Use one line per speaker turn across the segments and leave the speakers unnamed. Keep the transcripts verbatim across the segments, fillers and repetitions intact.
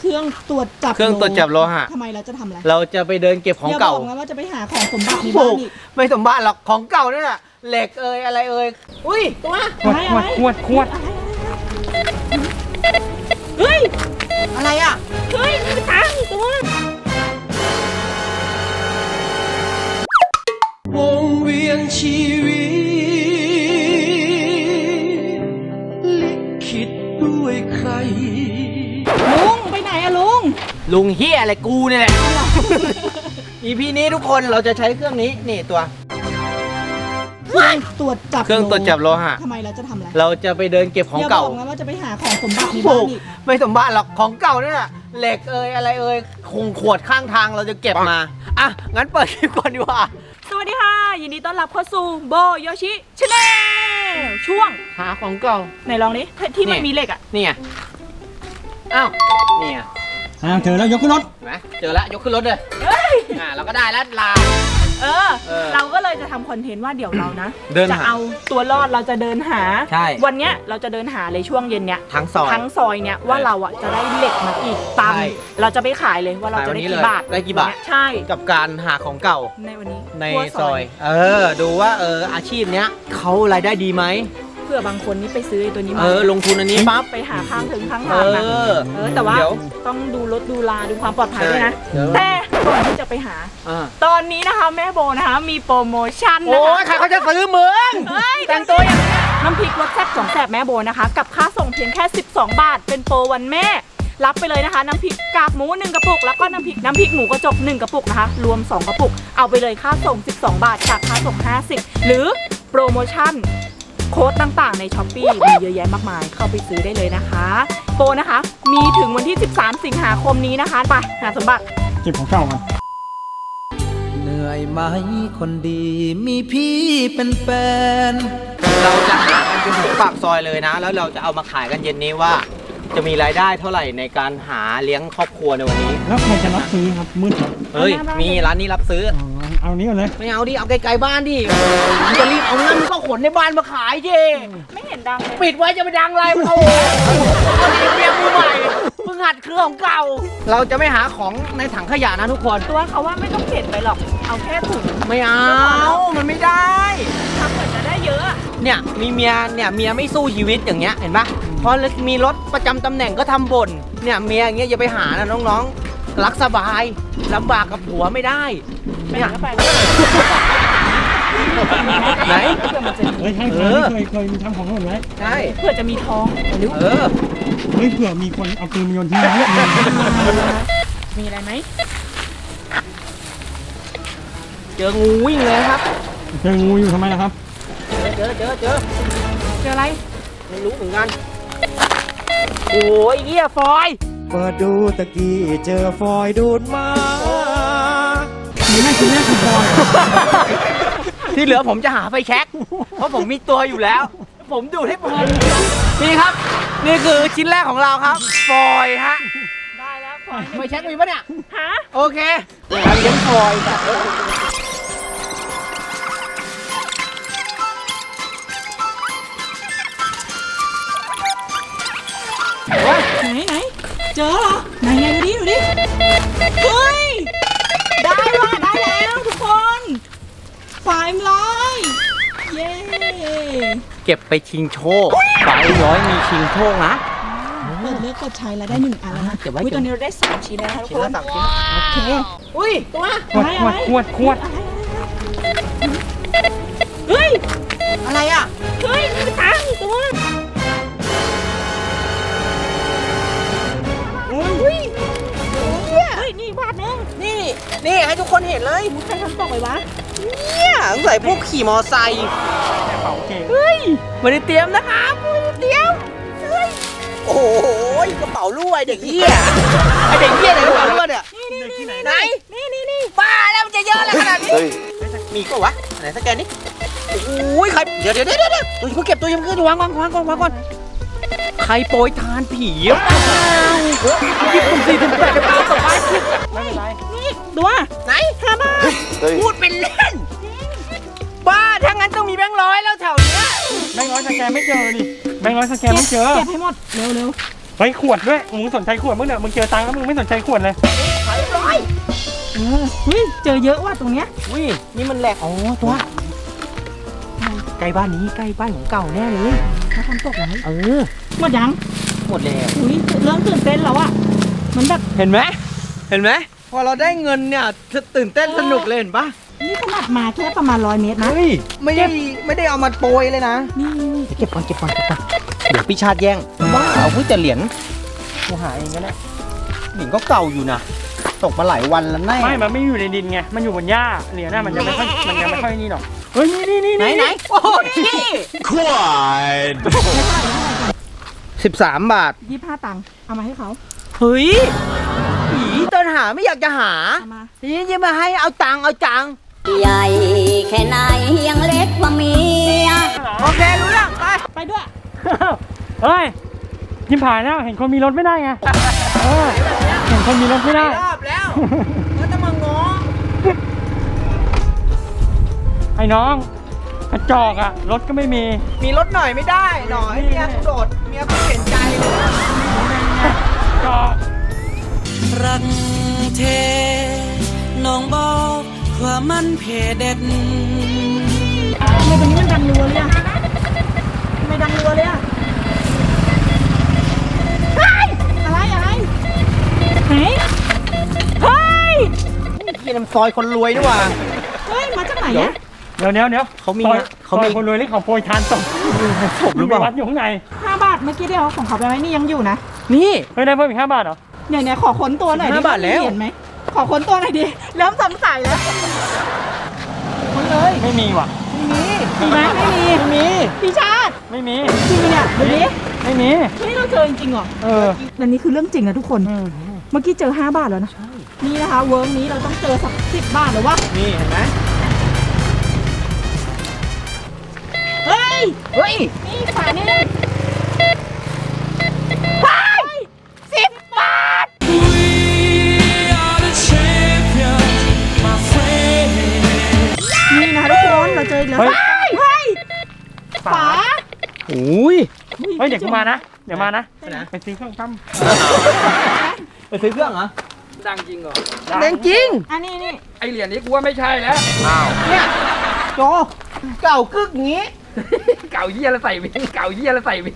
เครื่องตรวจจับ
เครื่องตรวจจับโลหะ
ทำไมเราจะทำอะไร
เราจะไปเดินเก็บของเก่า
อย่าบอกนะว่าจะไปหาของสมบัติในบ้านอีก
ไม่สมบัติหรอกของเก่านั่นแหละเหล็กเอ่ยอะไรเอ่ยอุ้ยตัว
ขวดขวดขวดขวด
เฮ้ย
อะไรอ่ะ
เฮ้ยมีตังค์ตัว
วงเวียนชีวิตลิขิตด้วยใคร
ลุงไปไหนอะลุง
ลุงเฮียอะไรกูเนี่ยแหละ อีพีนี้ทุกคนเราจะใช้เครื่องนี้นี่ตัว
เครื่องตรวจจับ
เครื่องตรวจจับโลหะ
ทำไมเราจะทำอะไร
เราจะไปเดินเก็บของเก่า
อย่าบอกนะว่าจะไปหาของสมบัติในบ้านอีก
ไม่สมบัติหรอกของเก่านั่นแหละเหล็กเอ่ยอะไรเอ่ยคงขวดข้างทางเราจะเก็บมาอ่ะงั้นเปิดคลิปก่อนดีกว่า
สวัสดีค่ะ ยินดีต้อนรับเข้าสู่โบโยชิชาแนลช่วง
หาของเก่า
ไหนลองดิที่มันมีเหล็กอะ
นี่ไงอ้าวนี่ไง
อ่าเจอแล้วยกขึ้นรถ
เห็นไหมเจอแล้วยกขึ้นรถเลย
เฮ้ย
อ่าเราก็ได้แล้วลา
เออ
เออ
เราก็เลยจะทำคอนเทนต์ว่าเดี๋ยวเรานะ
เดินหา
จะเอาตัวรอดเราจะเดินหา
ใช่
วันเนี้ยเราจะเดินหาเลยช่วงเย็นเนี้ย
ทั้งซอย
ทั้งซอยเนี้ยว่าเราอ่ะจะได้เหล็กมากี่ตัน
ใช่
เราจะไปขายเลยว่าเราจะได้
ขายวันนี้เลย
กี่บาท
ได้กี่บาท
ใช่
กับการหาของเก่า
ในวันนี้
ใน
ทั่ว
ซอย เออ ดูว่าเอออาชีพเนี้ยเขารายได้ดีไหม
เพื่อบางคนนี่ไปซื้อไอ้ตัวนี้
เอ
มา
อ ลงทุนอันนี้ปั๊บ
ไปหาข้างถึงข้าง
เอ
ทางนะ
อ
เออแต่ว่า
เดี๋ยว
ต้องดูรถดูลาดูความปลอดภัยด้วยนะ
เดี๋ยว
แต่ก่อนที่จะไปหา
อ่า
ตอนนี้นะคะแม่โบนะคะมีโปรโมชั่นนะ
โอ้
คะ
ยใครเขาจะซื้อมึง
เฮ้ย
แต่งตัวอย่างนี้
น้ำพริกรสแซ่บสองแสบแม่โบนะคะ กับค่าส่งเพียงแค่สิบสองบาทเป็นโปรวันแม่ รับไปเลยนะคะ น้ำพริกกากหมูหนึ่งกระปุกแล้วก็น้ำพริกน้ำพริกหมูกระจกหนึ่งกระปุกนะคะรวมสองกระปุกเอาไปเลยค่าส่งสิบสองบาทจากค่าส่งห้าสิบหรือโปรโมชั่นโค้ดต่างๆใน ช้อปปี้ มีเยอะแยะมากมายเข้าไปซื้อได้เลยนะคะโปรนะคะมีถึงวันที่สิบสามสิงหาคมนี้นะคะไปหาสมบัติ
เก็บของเก่ากัน
เหนื่อยไหมคนดีมีพี่เป็นแฟน
เราจะหากันจนถึงปากซอยเลยนะ แล้วเราจะเอามาขายกันเย็นนี้ว่า จะมีรายได้เท่าไหร่ในการหาเลี้ยงครอบครัวในวันนี้
แล้วใครจะรับซื้อครับมืดเหรอ
เฮ้ย มีร้านนี้รับซื้อ
อ๋อเอานี้ก่อนเลย
ไม่เอาดิ เอาไกลๆบ้านดิมึงจะรีบเอาเงินก็ขนในบ้านมาขายเจ
ไม่เห็นดังเลย
ปิดไว้จะไปดังอะไรโอ้โหเรียกมือใหม่เพิ่งหัดเครื่องของเก่า เราจะไม่หาของในถังขยะนะทุกคน
ตัวเขาว่าไม่ต้องเก็บไปหรอกเอาแค่ถุง
ไม่เอา มันไม่ได้
ทำเหมือนจะได้เยอะ
เนี่ยมีเมียเนี่ยเมียไม่สู้ชีวิตอย่างเงี้ยเห็นปะพอมีรถประจำตำแหน่งก็ทำบ่นเนี่ยเมียอย่างเงี้ยอย่าไปหานะน้องๆรักสบายลำบากกับผัวไม่ได้
ไม่
เนี่ย
ก็ไป
ไหน
เพื่อมันจะ
เฮ้ยใช่
เอ
เค
อ
ยเคยเคยมีทำของหล่นไว้
ใช่
เพื่อจะมีท้องเร็ว
เออ
เฮ้ยเผื่อมีคนเอาปืนมาโยนทิ้งไว้เนี่ย
มีอะไรไหม
เจองูวิ่งเลยครับ
เจองูอยู่ทำไมล่ะครับ
เจอเจอเจอ
เจออะไร
ไม่รู้เหมือนกันโอ้ยเหี้ยฟอย
เปิดดูตะกี้เจอฟอยดูดมา
มีแม่คุณแม่คุณบอย
ที่เหลือผมจะหาไฟแช็กเพราะผมมีตัวอยู่แล้ว ผมดูดให้เพลินนี่ครับ นี่คือชิ้นแรกของเราครับ ฟอยฮะ
ได้แล้วปล่อย
ไฟแช็กมีปะเนี่ย
หา
โอเคการเลี้ยงฟอยแบบโอ้ย
ไหนไหนเจอเหรอไหนไงดูดิดูดิเฮ้ยได้ว่ะได้แล้วทุกคนฝายร้อยเย้
เก็บไปชิงโชคฝายร้อยมีชิงโชคนะ
เปิดเลือกกดใช้แล้วได้หนึ่งอันแล้วนะ
เก็บไว้
อุ้ยตอนนี้เราได้สามชิ้นแล้วนะคะทุก
ชิ้น
ค
ละ
น
สามชิ้น
โอเค
อุ้ยตัว
ขวดขวดขวดขวด
เฮ้ย
อะไรอ่ะ
เฮ้ยมีตังค์ตัว
อุ้ย
เฮ้ยนี่บาทนึง
นี่นี่ให้ทุกคนเห็นเลย
ใครทำตกไปวะ
เนี่ยสงสัยพวกขี่มอไซค์
เป่าเก่ง
เฮ้ย
ไม่ได้เตรียมนะครับไม่ได้เตรียมเฮ้ยโอ้โหกระเป๋ารั่วไอ้เด็กเหี้ยไอเด็กเหี้ยไหนกระเป๋ารั่วเนี่ย
นี่นี่นี่
ไหน
นี่นี่นี่
บ้าแล้วมันจะเยอะอะไรขนาดนี้มีก็วะไหนสแกนนี่โอ้ยใครเดี๋ยวเดี๋ยวเดี๋ยวเดี๋ยวตัวยังเก็บตัวยังขึ้นวางวางวางก่อนวางก่อนใครโปรยทานผีอ่ะยี่ปุ่นสี่ถึงแปดเก้าต่อไป
ไม่เป็นไร
นี่ตัว
ไหน
ห้าบาท
พูดเป็นเล่นบ้าถ้างั้นต้องมีแบงค์ร้อยแล้วแถวเนี้ย
แบงค์ร้อยสแกนไม่เจอดิแบงค์ร้อยสแกนไม่เจอ
เก็บให้หมดเร็วเร็ว
เฮ้ยขวดด้วยมึงสนใจขวดมึงเนี่ยมึงเจอตังค์แล้วมึงไม่สนใจขวดเลย
ขายร้อย
เออเฮ้ยเจอเยอะว่ะตรงเนี้ย
อุ้ยนี่มันแหลกอ๋อตัวใกล้บ้านนี้ใกล้บ้านของเก่าแน่เลย
เขาทำตกไว้
เออ
หมดยัง
หมดแล้ว
อุ้ยเริ่มตื่นเต้นแล้วอะเหมือนแบบ
เห็นไหมเห็นไหมพอเราได้เงินเนี่ยตื่นเต้นสนุกเลยเห็นปะ
นี่ขนาดมาแค่ประมาณร้อยเมตรนะ
เฮ้ยไม่ได้ไม่ได้เอามาโปรยเลยนะ
นี่
เก็บก่อนเก็บก่อนเก็บก่อนเดี๋ยวพี่ชาติแย่งว้าวเพิ่งจะเหรียญกูหาเองก็ได้เหรียญก็เก่าอยู่นะตกมาหลายวันแล้วแน่
ไม่ มันไม่อยู่ในดินไง มันอยู่บนหญ้าเหรียญน่ะมันยังไม่ค่อยมันยังไม่ค่อยนี่หรอก เฮ้ย นี่นี่นี่
ไหนไหนโอ้ยสิบสามบาท
ยี่สิบห้าตังค์เอามาให้เขา
เฮ้ยผีตอนหาไม่อยากจะหา
เอามา
ทีนี้จะมาให้เอาตังค์เอาจัง
ใหญ่แค่ไหนยังเล็กกว่าเมีย
โอเครู้เรื่องไป
ไปด้วย
เฮ้ยยิ้มผ่านแล้วเห็นคนมีรถไม่ได้ไงเออเห็นคนมีรถไม่ได้
รอบแล้วก็จะมาง้อ
ไอ้น้องกระจอกอะรถก็ไม่มี
มีรถหน่อยไม่ได้หน่อยเมียกูโดดเมียกูเห็นใจเลย
จอก
รักเทน้องบอกว่ามันเพเด็ด
ทำไมตรงนี้มันดังรัวเลยอะทำไมดังรัวเลยอะเฮ้ยอะไรอะไรไหนเฮ้ย
พี่น้ำซอยคนรวยด้วยว่ะ
เฮ้ยมาจากไหนอะ
เดี๋ยวเดี๋ยวเดี๋ยว
เขามี
ซอย
เขามี
ซอยคนรวยนี่เขาโปรยทานศพ
ศพหรือเปล่า
มีวัดอยู่ข้างใน
ห้าบาทเมื่อกี้ที่เอาของเขาไปไว้นี่ยังอยู่นะ
นี่
เฮ้ยได้เพิ่มอีกห้าบาทเหรอ
เนี่ยเนี่ยขอค้นตัวหน่อยดิ
ห้าบาทแล้ว
เห็นไหมขอค้นตัวหน่อยดิเริ่มสงสัยแล้วค้นเลย
ไม่มีว่ะ
มีมีไหมไม่มี
ไม่มี
พี่ชาติ
ไม่มี
จริงเนี่ยดูดิ
ไม่มี
นี่เราเจอจริงๆเหรอ
เออ
อันนี้คือเรื่องจริงนะทุกคน
อืม
เมื่อกี้เจอห้าบาทแล้วนะนี่นะคะเวิร์กนี้เราต้องเจอสักสิบบาทหรือวะ
นี่เห็นไหม
เฮ้ย
เฮ้ย
นี่ฝานี่ไปสิบบาทนี่นะคะทุกคนเราเจออีกแล้ว
เฮ้ย
เฮ้ยฝา
อุ้ย
เฮ้ยเดี๋ยวกูมานะ เดี๋ยวมานะ
ไปไหน
ไปซื้อเครื่องตั้ม
ไปซื้อเครื่องเหรอ
ดังจริงเหรอ
แดงจริง
อันนี้นี่
ไอเหรียญนี้กูว่าไม่ใช่แล้ว
เนี่ยโจเก่ากึกอย่างงี้
เก่าเยี่ยแล้วใส่วิ่งเก่าเยี่ยแล้วใส่วิ่ง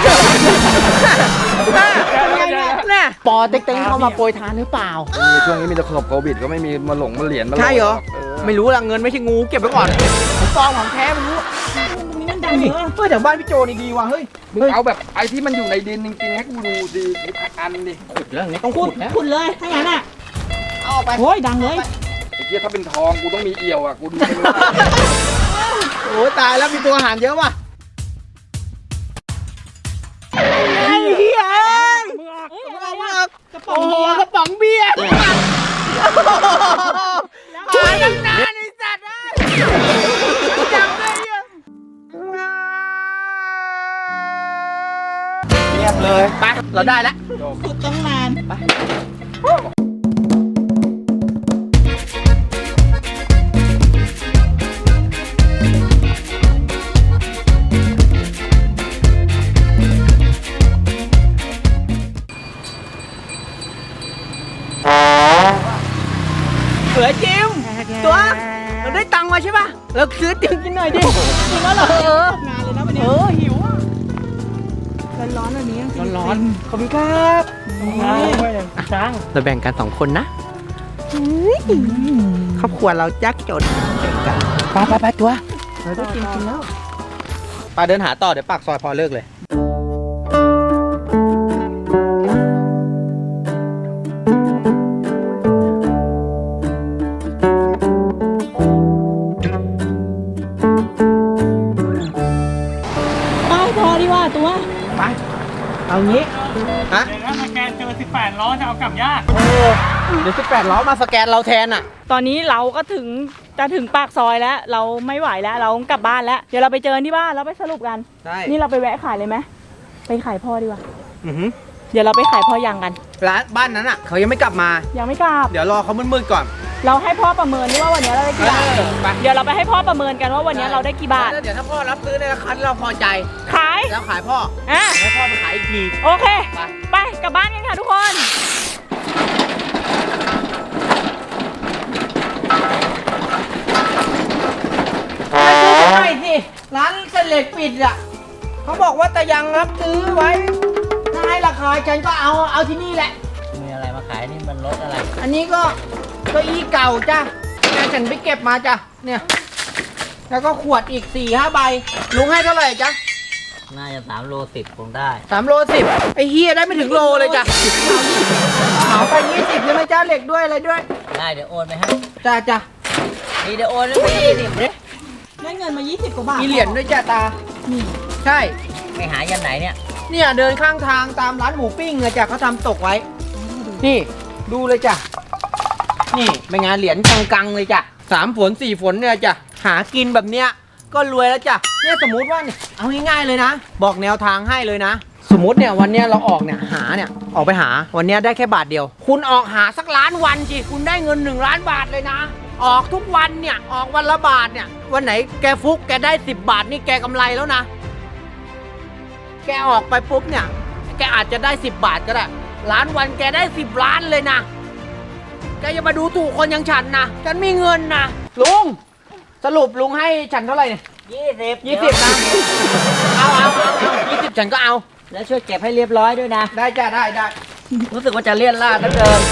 แน่ปอเต็งๆเข้ามาโปรยทานหรือเปล่า
มีช่วงนี้มีแต่ขนบโควิดก็ไม่มีมาหลงมาเหรียญมา
ใช่เหรอ
เออ
ไม่รู้ละเงินไม่ใช่งูเก็บไว้ก่อนผมซองของแท้ไม่รู้
ตรงนี้มันดัง
เฮ้ย
เยอะ
เฮ้ยแต่บ้านพี่โจนี่ดีว่ะเฮ้ย
มึงเอาแบบไอที่มันอยู่ในดินจริงๆให้กูดูดีอันดิ
ขุดแล้วอย่างนี้ต้อง
ขุ
ขุ
ด
ดแล้ว
ขุดเลยถ้างั้นอ่ะ
เอาไป
โอ้ยดังเลย
ไอ้เหี้ยถ้าเป็นทองกูต้องมีเอี่ยวอ่ะกูดูเป็น
โอ้ยตายแล้วมีตัวอาหารเยอะว่ะไอ้เหี้ย
มึงออก
เอ้ยอะไร
เอา
อะ
มาก
กระป๋อ
โอ้
ง
โห
เบียร์
กระป๋องเบียร์
แล้ว
หาตั้งนานไอ้สัตว์เอ้ยจับเลยอ่ะเงียบเลยไปเราได้แล้ว
ขุดตั้งนาน
เหลือจิมตัวเราได้ตังค์มาใช่ป่ะเราซื้อติมกินหน่อยดิ
จริงแล้วเหรอ
เออ
ตกงานเลยนะวันนี้
เออหิวอ่ะ
ร้อนๆแบบนี้จงๆ
ร้อนๆขอบคุณครับ
มาด้วยจัง
เราแบ่งกันสองคนนะครอบครัวเรายากจนแบ่งกันไปไปไปตัวเราได้กินกินแล้วปาเดินหาต่อเดี๋ยวปากซอยพอเลิกเลย
ไปพอดีกว่าตัว
ไปเอางี้ฮะ
เดี๋ยวถ้าสแกนเจอสิบแปดล้อจะเอากลับยาก
เออเดี๋ยวสิบแปดล้อมาสแกนเราแทนอ่ะ
ตอนนี้เราก็ถึงจะถึงปากซอยแล้ว เราไม่ไหวแล้วเรากลับบ้านแล้ว เดี๋ยวเราไปเจอกันที่บ้านแล้วไปสรุปกัน
ใช่
นี่เราไปแวะขายเลยไหมไปขายพ่อดีกว่า
อือหือ
เดี๋ยวเราไปขายพ่อยังกัน
ร้านบ้านนั้นอ่ะเขายังไม่กลับมา
ยังไม่กลับ
เดี๋ยวรอเขามืดๆก่อน
เราให้พ่อประเมินด้วยว่าวันนี้เราได้กี่บาท
เออไป
เดี๋ยวเราไปให้พ่อประเมินกันว่าวันนี้เราได้กี่บาท
แล้วเดี๋ยวถ้าพ่อรับซื้อในราคาที่เราพอใจ
ขาย
แล้วขายพ่อ
อ่ะ
ให้พ่อไปขายอีกที
โอเค
ไป
ไปกลับบ้านกันค่ะทุกคน
ไม่ใช่สิร้านเส้นเหล็กปิดอ่ะเขาบอกว่าแต่ยังรับซื้อไว้ถ้าให้ราคาฉันก็เอาเอาที่นี่แหละ
มีอะไรมาขายนี่มันรถอะไร
อันนี้ก็เก้าอี้เก่าจ้ะแม่ฉันไปเก็บมาจ้ะเนี่ย แล้วก็ขวดอีกสี่ห้าใบลุงให้เท่าไหร่จ๊ะ
น่าจะสามโลสิบคงได้
สามโลสิบไอ้เฮียได้ไม่ถึงโลเลยจ้ะเอาไปยี่สิบใช่ไหมจ้าเหล็กด้วยอะไรด้วย
ได้เดี๋ยวโอนไปให้
จ้าจ้ะ
นี่เดี๋ยวโอนไปให้ดิ
ได้เงินมายี่สิบกว่าบาท
มีเหรียญด้วยจ้ะตา
นี่
ใช่
ไปหายันไหนเนี่ย
เนี่ยเดินข้างทางตามร้านหมูปิ้งอะจ้ะเขาทำตกไว้ นี่ดูเลยจ้ะ นี่เป็นงานเหรียญกังๆเลยจ้ะสามฝนสี่ฝนเนี่ยจ้ะ หากินแบบเนี้ยก็รวยแล้วจ้ะ เนี่ยสมมุติว่าเนี่ยเอาง่ายๆเลยนะ บอกแนวทางให้เลยนะ สมมติเนี่ยวันเนี้ยเราออกเนี่ยหาเนี่ยออกไปหาวันเนี้ยได้แค่บาทเดียว คุณออกหาสักล้านวันสิคุณได้เงินหนึ่งล้านบาทเลยนะ ออกทุกวันเนี่ยออกวันละบาทเนี่ยวันไหนแกฟุกแกได้สิบบาทนี่แกกำไรแล้วนะ แกออกไปปุ๊บเนี่ยแกอาจจะได้สิบบาทก็ได้ล้านวันแกได้สิบล้านเลยนะแกอย่ามาดูถูกคนอย่างฉันนะฉันมีเงินนะลุงสรุปลุงให้ฉันเท่าไหร่เนี่ย
ยี่สิบ
ยี่สิบนะเอาเอาเอาเอายี่สิบฉันก็เอา
แล้วช่วยเก็บให้เรียบร้อยด้วยนะ
ได้จ้ะได้ได้
รู้สึกว่าจะเลี่ยนลาดเหลือเกิน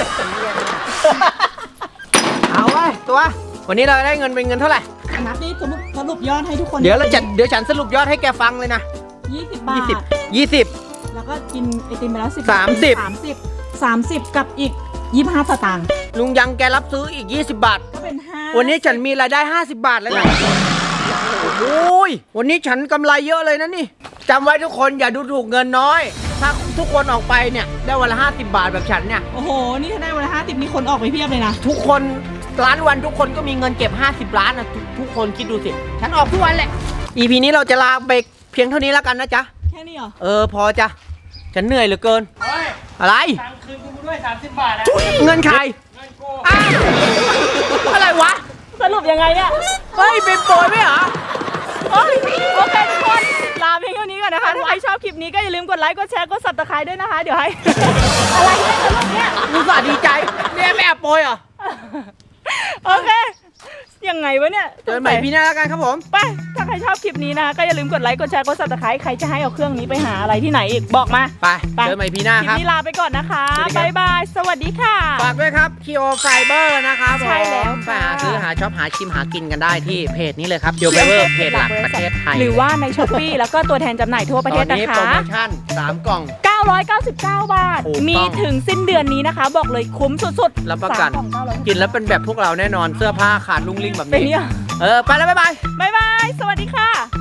เอาไว้ตัว วันนี้เราได้เงินเป็นเงินเท่าไหร่
นับนี่สรุปสรุปยอดให้ทุกคน
เดี๋ยวเราจะเดี๋ยวฉันสรุปยอดให้แกฟังเลยนะ
ยี่สิบบาท
ยี่สิบยี่สิบ
แล้วก็กินไอติมไปแล้วสิบ
สามสิบ
สามสิบสามสิบกับอีกยี่สิบห้าสตางค์
ลุงยังแกรับซื้ออีกยี่สิบบาท
ก็เป็นห้า
วันนี้ฉันมีรายได้ห้าสิบบาทแล้วนะโอ้ยวันนี้ฉันกำไรเยอะเลยนะนี่จำไว้ทุกคนอย่าดูถูกเงินน้อย ถ้าทุกคนออกไปเนี่ยได้วันละห้าสิบบาทแบบฉันเนี่ย
โอ้โห นี่ถ้าได้วันละห้าสิบนี่คนออกไปเพียบเลยนะ
ทุกคนร้านวันทุกคนก็มีเงินเก็บห้าสิบล้านนะทุกทุกคนคิดดูสิ ฉันออกทุกวันแหละ อี พี นี้เราจะลาไปเพียงเท่านี้แล้วกันนะจ๊ะ
แค่นี้เหรอ
เออพอจ้ะ ฉันเหนื่อยเหลือเกิน
เฮ้ย
อะไร
ตังค์คืนกูด้วยสามสิบบาทอะ
เงินใคร
เงินกู
อ้าวอะไรวะ
สรุปยังไงเนี่ย
เฮ้ยเป็นโปรยไหมเหรอ
โอ้ยโอเคทุกคนลาเพียงเท่านี้ก่อนนะคะ ถ้าใครชอบคลิปนี้ก็อย่าลืมกดไลค์ กดแชร์ กด ซับสไครบ์ ด้วยนะคะ เดี๋ยวให้ อะไรเนี่ยสรุปเนี่ย
อุตส่าห์ดีใจ เนี่ยไม่แอบโปรยเหรอ
โอเค ยังไงวะเนี่ย
เจอกันใหม่พี่หน้าแล้วกันครับผม
ไป ถ้าใครชอบคลิปนี้นะคะก็อย่าลืมกดไลค์ กดแชร์ กด ซับสไครบ์ ใครจะให้เอาเครื่องนี้ไปหาอะไรที่ไหนอีก บอกมา
ไป
ไป
เจอกันใหม่พี่หน้า
คลิ
ค
ป
รับ
นี้ลาไปก่อนนะคะ
สวัสดีครับ
บ๊ายบาย สวัสดีค่ะ
ฝากด้วยครับ Kio Fiber นะครับ
ใช่แล้ว
ผมไป
ค่ะ
หาซื้อหาช็อปหาชิมหากินกันได้ที่เพจนี้เลยครับ Kio Fiber เพจหลักประเทศไทย
หรือว่าในช้อปปี้แล้วก็ตัวแทนจำหน่ายทั่วประเทศ
ตอ
นะ
นี้
คะ
โปรโมชั่นสามกล่อง
เก้าร้อยเก้าสิบเก้า บาท
ถูกต้อง
มีถึงสิ้นเดือนนี้นะคะ บอกเลยคุ้มสุดๆ
รับประกัน
สามกล่องเก้าร้อย
กินแล้วเป็นแบบพวกเราแน่นอนเสื้อผ้าขาดลุงลิงแบบ
เป็น
นี้
เนี่ย
เออ ไปแล้ว บ๊ายบาย
บ๊ายบาย สวัสดีค่ะ